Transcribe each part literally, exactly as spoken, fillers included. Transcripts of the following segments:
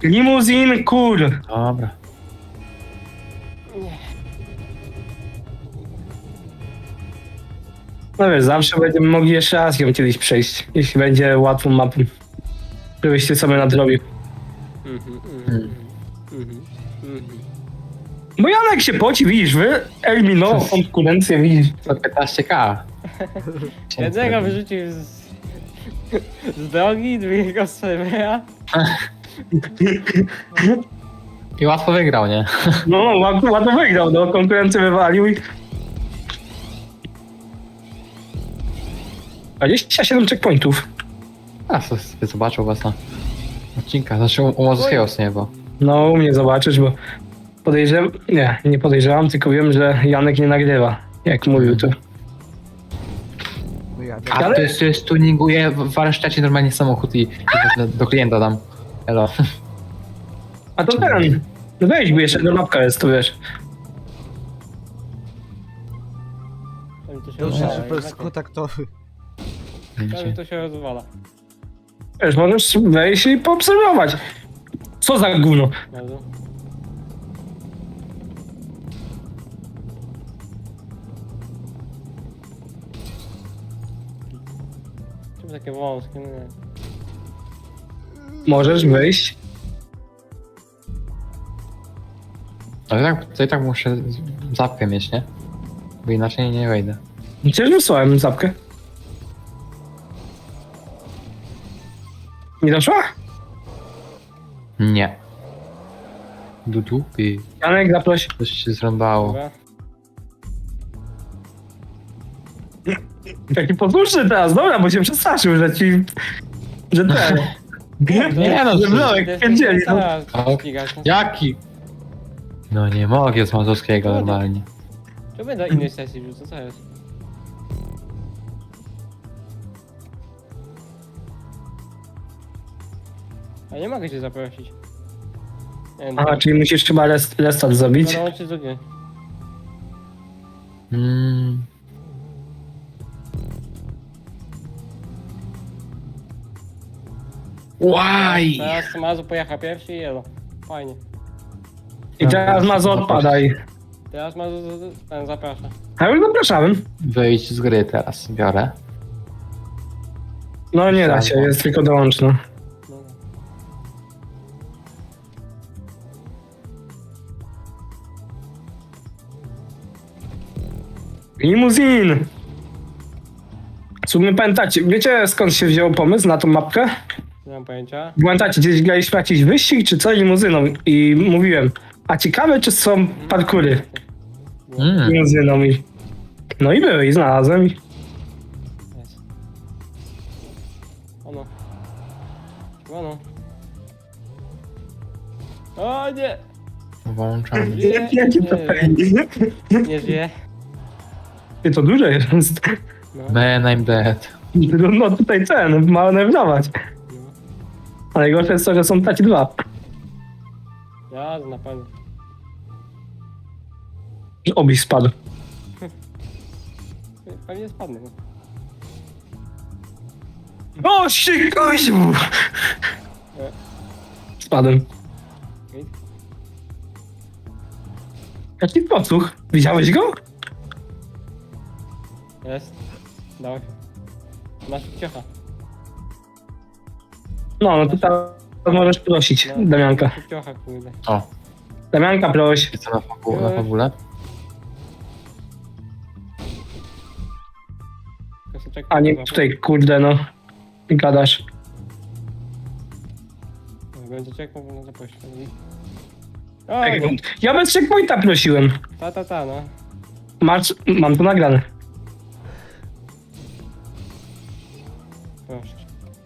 Limuzin, kur. Dobra. No wiesz, zawsze będziemy mogli jeszcze raz ją kiedyś przejść, jeśli będzie łatwą mapą. Żebyście sobie nadrobił. Mhm, mhm, Hmm. mhm, mhm. Bo Janek się poci, widzisz, wy eliminował konkurencję, widzisz. To piętnaście ka. Jednego wyrzucił z, z drogi, drugiego z serwera. I łatwo wygrał, nie? No, ładnie, ładnie wygrał, no, konkurencję wywalił i... dwadzieścia siedem checkpointów. A co sobie zobaczył was na odcinkach. Znaczy u, u Mazowskiego nie, bo. No, u mnie zobaczysz, bo podejrzewam... Nie, nie podejrzewam, tylko wiem, że Janek nie nagrywa, jak mówił to. No ja, A Ale- to jest, to jest tuninguje w warsztacie normalnie samochód i, i do, do klienta dam. Elo. A to ten... No weź, bo jeszcze jedna mapka jest, to wiesz. Tam to się dobrze, rozwala, że jednak bez kontaktowy. Tam to się rozwala. Wiesz, możesz wejść i poobserwować. Co za gówno. Bardzo. Czemu takie wąskie? No nie. Możesz wejść. Ale tak, to i tak muszę zapkę mieć, nie? Bo inaczej nie wejdę. Przecież wysłałem zapkę. Nie doszła? Nie. Do dupy. Janek, zaproś. Coś się zrąbało. Dobra. Taki posłuszny teraz, dobra, bo się przestraszył, że ci... Że ten... Nie no, że to- Blowek pierdzieli. No. O, Jaki? No nie mogę z Mazowskiego normalnie. Czy będę innej sesji wrzucę, co jest? A nie mogę cię zaprosić. Nie wiem, Aha, czyli musisz chyba rest, restart zrobić. dołączyć do gry. Mm. Why? Teraz Mazu pojechał pierwszy i jelo. Fajnie. I teraz Mazo odpadaj. Teraz Mazu z- z- ten zaprasza. A już zapraszałem. Wyjść z gry teraz, biorę. No nie da się, jest tylko dołączno. No. Limuzin! W sumie pamiętacie, wiecie skąd się wziął pomysł na tą mapkę? Nie mam pojęcia. Pamiętacie, gdzieś graliśmy jakiś wyścig czy co limuzyną i mówiłem, a ciekawe czy są parkury Mm. limuzyną i... No i były i znalazłem i... Jest. Ono. Ono. O nie! Włączamy. Żyje? Jakie to Nie, fajnie. nie żyje. Ty, to duże jest. No. Man, I'm dead. No tutaj ten, ma manewrować. No. A najgorsze jest to, że są takie dwa. Ja na pewno. Obyś spadł. Pewnie spadnę. No. O, się koźmu! Spadłem. Git. Jaki podsłuch? Widziałeś go? Jest. Dawaj. Masz ciocha. No, no to teraz możesz prosić Damianka. Ciocha, kurde. O, Damianka, proś. jest to na, fabu na fabule? Koseczek. A nie tutaj, kurde, no. Gadasz. Będzie czekał, no zaproś. Tak, O, ja bez checkpointa prosiłem. ta, ta, ta, no. Masz, mam to nagrane. Proszę.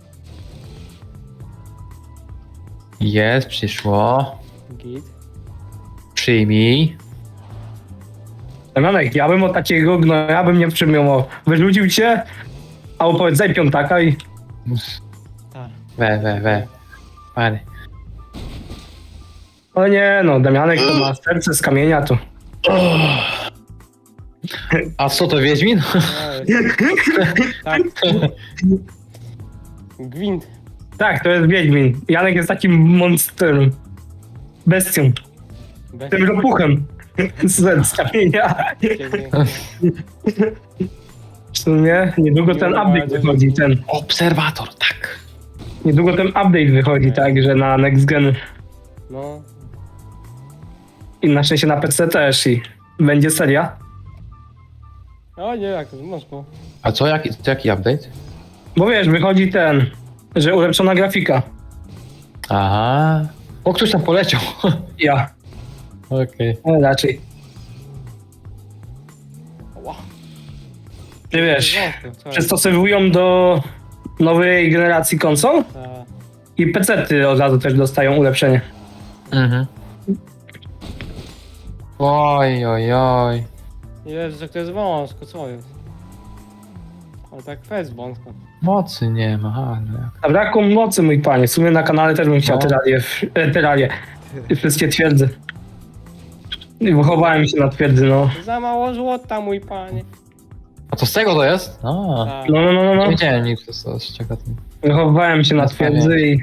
Jest, przyszło. Git. Przyjmij. Damianek, ja bym o takiego gnoja bym nie przyjmował. Wyrzucił cię, a opowiedz, zaj piątaka i... Tak. We, we, we. Pary. O nie, no, Damianek to ma serce z kamienia, to... A co to, Wiedźmin? No, jest. Tak. Gwint. Tak, to jest Wiedźmin. Janek jest takim monsterem. Bestią. Bez Tym ropuchem. Z, z kamienia. ciebie. W sumie niedługo ten update wychodzi, ten. Obserwator, tak. Niedługo ten update wychodzi, tak, że na next gen. No, I na szczęście na P C też i będzie seria. o nie, jak to z Moskwą. A co, jaki, co, jaki update? Bo wiesz, wychodzi ten, że ulepszona grafika. Aha. O, ktoś tam poleciał. Ja, Okej. ale raczej. Ła. Ty wiesz, Moskwa, co? przystosowują do nowej generacji konsol Ta. i pecety od razu też dostają ulepszenie. Mhm. Oj, oj, oj. Jezu, jak to jest wąsko, co jest? Ale tak jest wąsko. Mocy nie ma, ale jak. Zabrakło mocy, mój panie. W sumie na kanale też bym chciał No. teralię, e, teralię. Wszystkie twierdzy. I wychowałem się na twierdzy, no. Za mało złota, mój panie. A to z tego to jest? A. Ta. No, no, no, no. Nie no. wiedziałem nic, to z z czego tam. Wychowałem się na Na twierdzy i...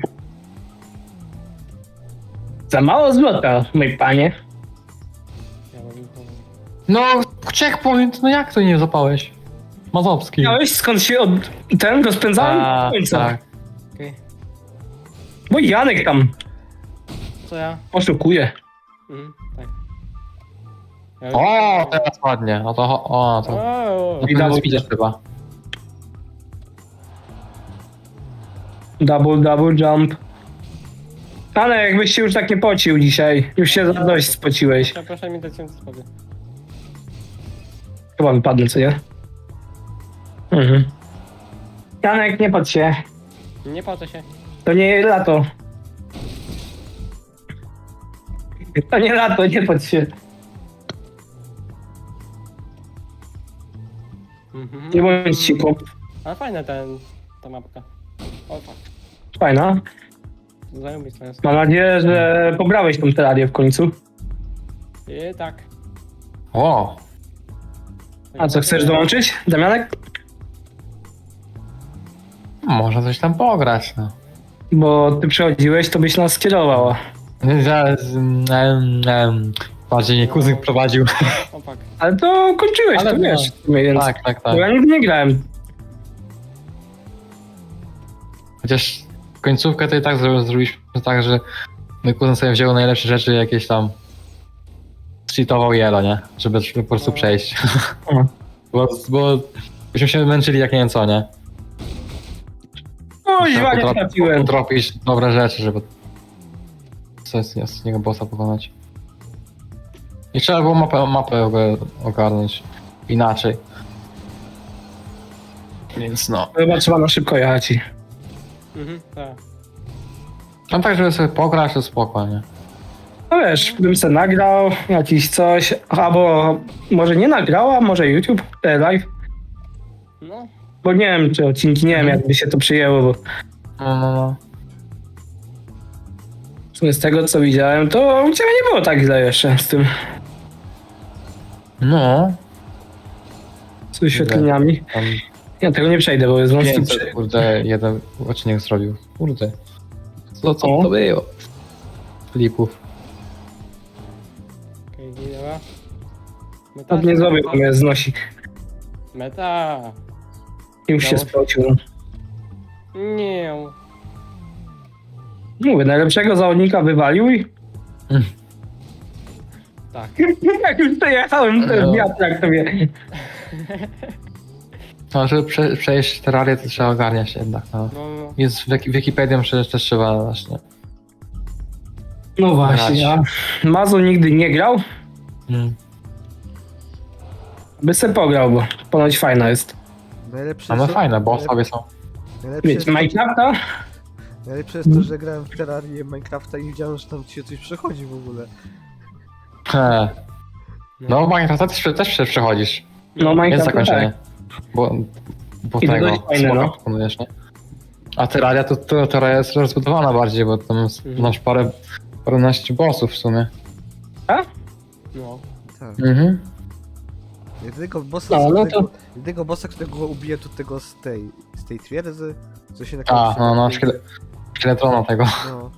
Za mało złota, mój panie. Ja bym to- No, checkpoint, no jak to nie zapałeś? Mazowski. Miałeś skąd się od... ten rozpędzałem? A, do końca. tak. Okej. Bo Janek tam Co ja? oszukuje. Mhm, tak. Ja O, teraz ładnie. No to, o, to. O, No Widać. to widzisz chyba. Double, double jump. Ale jakbyś się już tak nie pocił dzisiaj. Już się za dość spociłeś. proszę, proszę mi dać się spokój. Chyba wypadnę, co nie? Mhm. Janek, nie patrz się. Nie po co się. To nie lato. To nie lato, nie patrz się. Mhm. Nie bądź cicho. Ale fajna ten, ta mapka. O tak. Fajna. Zajebista jest. Mam nadzieję, że pobrałeś tą terarię w końcu. I tak. O, A co, chcesz dołączyć, Damianek? można coś tam pograć, no. Bo ty przychodziłeś, to byś nas skierowała. Zaraz, em, em, bardziej nie kuzyn prowadził. O tak. Ale to kończyłeś, Ale to no. wiesz. w sumie, Więc... Tak, tak, Bo tak. ja nigdy nie grałem. Chociaż końcówkę to i tak zro- zrobiliśmy tak, że mój kuzyn sobie wziął najlepsze rzeczy jakieś tam. Cheatował jelo, nie? Żeby, żeby po prostu No. przejść. O. Bo, bo byśmy się męczyli jak nie wiem co, nie? O, Trzeba źle nie potra- trafiłem. potropić dobre rzeczy, żeby coś z, z niego bossa pokonać. I trzeba było mapę, mapę oga- ogarnąć inaczej. Więc no. Chyba trzeba na szybko jechać. i- Mhm, tak. No tak, żeby sobie pograć, to spokojnie. No wiesz, bym se nagrał jakiś coś, albo może nie nagrał, a może YouTube e, live. No. Bo nie wiem, czy odcinki, nie wiem, Mhm. jakby się to przyjęło, bo No, no, no. w sumie z tego, co widziałem, to u ciebie nie było tak źle jeszcze z tym, No, z wyświetleniami. tam Ja tego nie przejdę, bo jest wąski pięćset, przy... kurde, jeden odcinek zrobił. Kurde. Co, co O. to było? Flipów. Okej, okay, dobra. Meta. Tak nie zrobił, bo mnie znosi. Meta. Już się Udało się. spocił. Nie. Mówię, najlepszego zawodnika wywalił i Tak. jak już przejechałem ten No. wiatrak sobie. No, żeby prze, przejść terrarię, to trzeba ogarniać jednak, no. No, no. Jest w Wiki- Wikipedią przecież też trzeba właśnie. No właśnie, a Mazo nigdy nie grał, Mm. by se pograł, bo ponoć fajna jest. Najlepsze, No, no co- fajne, bo najlep- sobie są. najlepsze, jest Wiecie, to, Minecrafta? najlepsze jest to, że grałem w Terrarię Minecrafta i nie wiedziałem, że tam ci się coś przechodzi w ogóle. He. No, Minecraft też, też się przechodzisz. No Jest Minecraft zakończenie. Bo, bo I to tego dość fajne, smoka no. pokonujesz, nie? A Terraria to, to Terraria jest rozbudowana bardziej, bo tam jest- Mhm. masz parę, paręnaście bossów w sumie. No. Tak. Mhm. Jedynego bossa, No, no którego, to- jedynego bossa, którego ubiję to tego z tej, z tej twierdzy, co się na A, no, no, szkiele, Szkieletrona tego. No.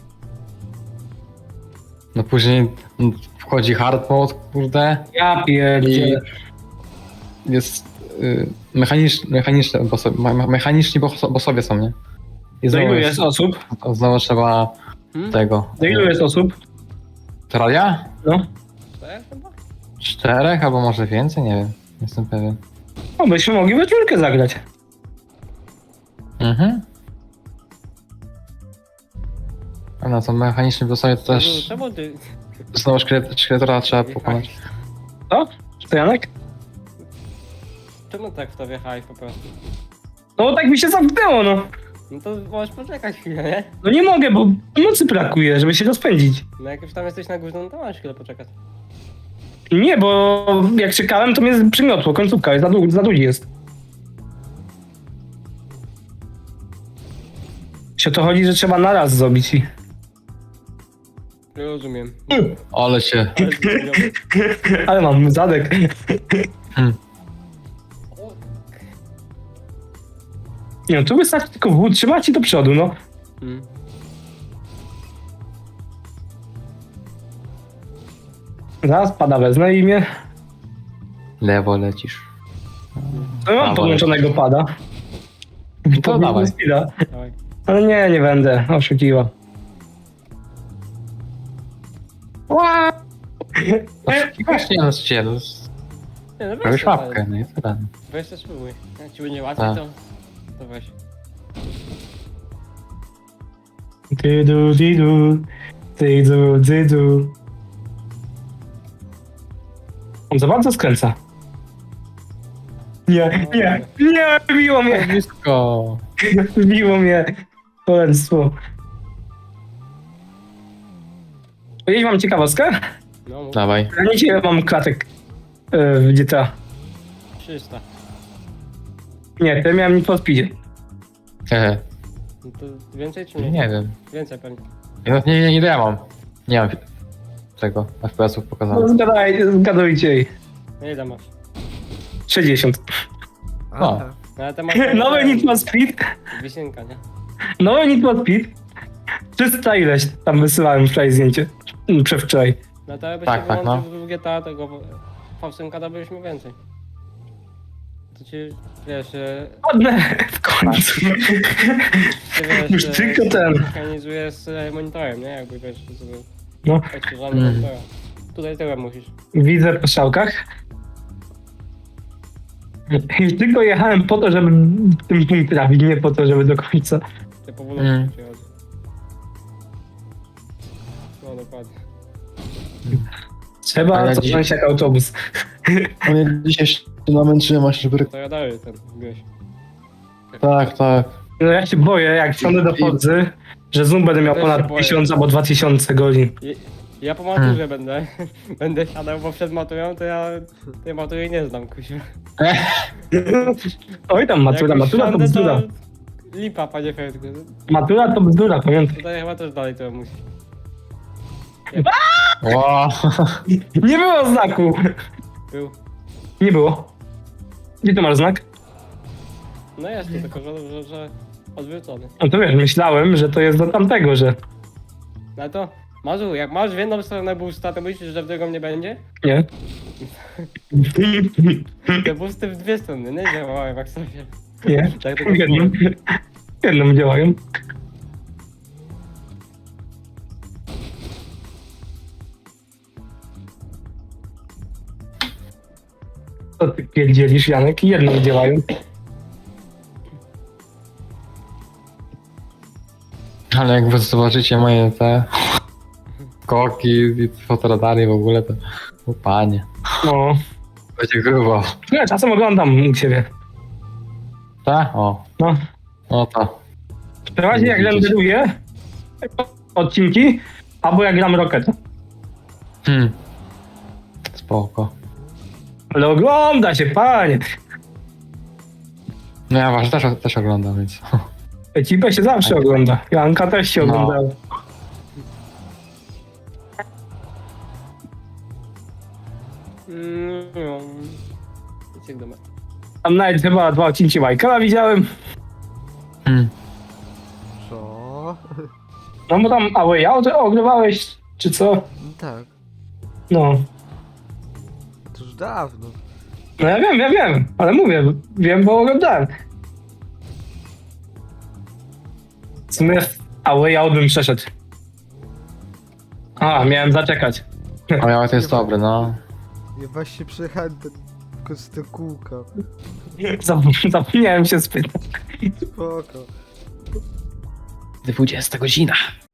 No później mm, wchodzi hard mode, kurde. Ja I pierdzielę. jest y, mechanicz, mechaniczne bossowie, me, me- mechaniczni bosso- bossowie są, nie? I Do znowu, ilu jest osób? znowu trzeba Hmm? tego. Do ilu jest osób? Teralia? No. Tak, chyba? Czterech albo może więcej, nie wiem. Nie jestem pewien. No byśmy mogli we czwórkę zagrać. Mhm. A no to mechaniczni bossowie to też Czemu ty... znowu szkielet, szkieletora trzeba pokonać. Co? To Janek? Czemu tak w to wjechałeś po prostu? No bo tak mi się zamknęło, no. No to możesz poczekać chwilę, nie? No nie mogę, bo mocy brakuje, żeby się rozpędzić. No jak już tam jesteś na górze, no to masz chwilę poczekać. Nie, bo jak czekałem, to mnie przymiotło. Końcówka jest za, dłu- za długi jest. Się o to chodzi, że trzeba na raz zrobić i... Rozumiem. Ale się. Ale zrozumiałem. Ale mam zadek. O, Nie no, tu wystarczy tylko wód trzymać i do przodu, no. mm. Zaraz pada wezmę i mnie... Lewo lecisz. No mam Dawaj. podłączonego pada. To dawaj. Speeda. Dawaj. Ale nie, nie będę. Oszukiwa. Właśnie no się, no, z- Nie, no weź robisz to, łapkę, ale- no i tyle. Weź to spróbuj. Jak ci będzie łatwiej, Tak. to... To weź. Dydu, dydu. Dydu, dydu. On za bardzo skręca. Nie, nie, nie, biło mnie, Blisko. biło mnie. Cholerstwo. Powiedzieć wam ciekawostkę? No, mów. Dawaj. Ja nie wiem, mam klatek e, w G T A. trzysta. Nie, to miałem Need for Speedzie. Hehe. No to więcej czy mniej? Nie wiem. Więcej pewnie. Nie, nie, nie, ile ja mam? Nie mam tego F P S-ów No, pokazanych. zgadaj, zgadujcie jej. No ile masz? sześćdziesiąt. A, No. tak. No ale to masz... Nowy Need for Speed. Wisienka, nie? Nowy Need for Speed. trzysta ileś tam wysyłałem wczoraj zdjęcie. Mm, Przedwczoraj. No to jakbyś Tak, się tak, wyłączył w G T A tego V osiem dalibyśmy więcej. To ci, wiesz, e, Ładne w końcu. ty wiesz, Już e, tylko ten. synchronizujesz z e, monitorem, nie? Jakby wiesz, sobie No. odświeżamy Mm. monitora. Tutaj tyłem musisz. Widzę po strzałkach. Już tylko jechałem po to, żeby ten punkt trafić, nie po to, żeby do końca. Ty powolutku Mm. ci chodzi. No dokładnie. Trzeba A ja cofnąć jak autobus. A mnie dzisiaj się namęczyłem aż, żeby... To ja dalej ten wbiłeś. Tak, tak. No ja się boję, jak wsiądę do Fordzy, że Zoom będę miał Też się ponad boję. tysiąc albo dwa tysiące godzin. I, ja po maturze będę, będę siadał, bo przed maturą to ja tej matury nie znam, kusiu. Oj tam, matura, Jak już matura to siądę, bzdura. Lipa, panie Fredku. Matura to bzdura, pamiętaj. Tutaj chyba też dalej to musi. Wow. Nie było znaku. Był. Nie było. Gdzie ty masz znak? No jest to, tylko że, że, że odwrócony. No to wiesz, myślałem, że to jest do tamtego, że... No to, Mazu, jak masz w jedną stronę boosta, to myślisz, że w drugą nie będzie? Nie. Te boosty w dwie strony, nie działają jak sobie. Nie. Tak tylko Jedną. Jedną działają. Co ty pierdzielisz, Janek? Jedną działają. Ale jak wy zobaczycie moje te... Koki i fotoradary w ogóle, to... O panie. No. Będzie grubo. Ja czasem oglądam u ciebie. Tak? O. No. No to. Przeważnie jak renderuję odcinki, albo jak gram Rocket. Hmm. Spoko. Ale ogląda się, panie. No ja was też, też oglądam, więc... Ekipę się zawsze ogląda. Janka też się No. oglądała. Mm, no. Idź jak do mnie. Tam nawet chyba dwa odcinki Michaela widziałem. Hmm. Co? No bo tam A Way Out ogrywałeś, czy co? No tak, No. to już dawno. No ja wiem, ja wiem, ale mówię, wiem, bo oglądałem. W sumie A Way Out bym przeszedł. A, miałem zaczekać. A miała to jest dobry, no. Ja właśnie przejechałem ten, tylko z te kółka. Zap- Zapomniałem się spytać. Spoko. dwudziesta godzina.